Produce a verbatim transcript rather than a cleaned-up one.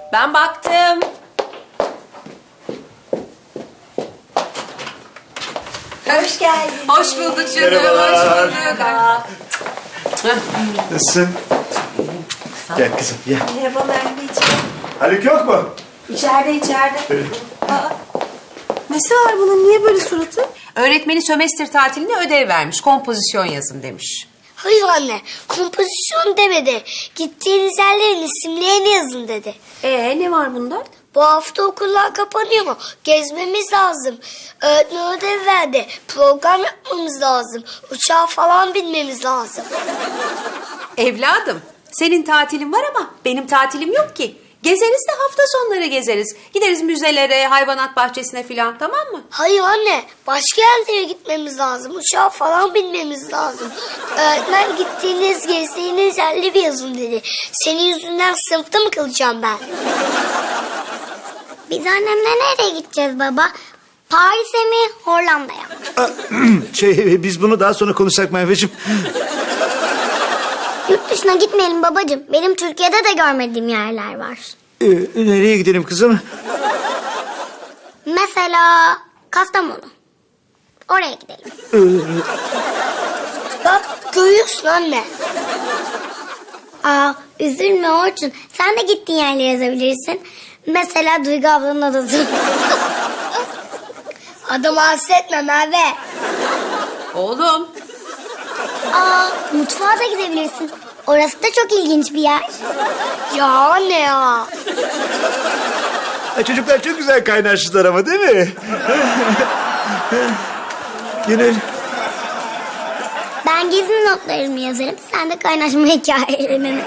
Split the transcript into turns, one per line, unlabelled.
Ben baktım.
Hoş geldin.
Hoş bulduk canım.
Merhabalar.
Hoş bulduk.
Nasılsın? Gel kızım gel.
Merhaba anneciğim.
Haluk yok mu?
İçeride içeride. Aa, nesi var bunun? Niye böyle suratı?
Öğretmeni sömestr tatiline ödev vermiş. Kompozisyon yazın demiş.
Hayır anne, kompozisyon demedi. Gittiğiniz yerlerin isimlerini yazın dedi.
Ee ne var bunda?
Bu hafta okullar kapanıyor. Gezmemiz lazım. Öğretmen ödev verdi. Program yapmamız lazım. Uçağa falan binmemiz lazım.
Evladım, senin tatilin var ama benim tatilim yok ki. Gezeriz de hafta sonları gezeriz. Gideriz müzelere, hayvanat bahçesine filan, tamam mı?
Hayır anne, başka yerlere gitmemiz lazım. Uçağa falan binmemiz lazım. Öğretmen gittiğiniz, gezdiğiniz yerleri yazın dedi. Senin yüzünden sınıfta mı kalacağım ben? Biz annemle nereye gideceğiz baba? Paris'e mi, Hollanda'ya mı?
Şey biz bunu daha sonra konuşsak Merveciğim.
Yurt dışına gitmeyelim babacığım. Benim Türkiye'de de görmediğim yerler var.
Ee, nereye gidelim kızım?
Mesela Kastamonu. Oraya gidelim.
Ee,
Bak görüyorsun anne. Aa, üzülme Orçun. Sen de gittiğin yerleri yazabilirsin. Mesela Duygu ablanın adası. Adamı hasretme Merve.
Oğlum,
Aa, mutfağa da gidebilirsin. Orası da çok ilginç bir yer. Ya anne ya.
Ha, çocuklar çok güzel kaynaştılar ama değil mi? Gönül.
Ben gezi notlarımı yazarım. Sen de kaynaşma hikayelerini.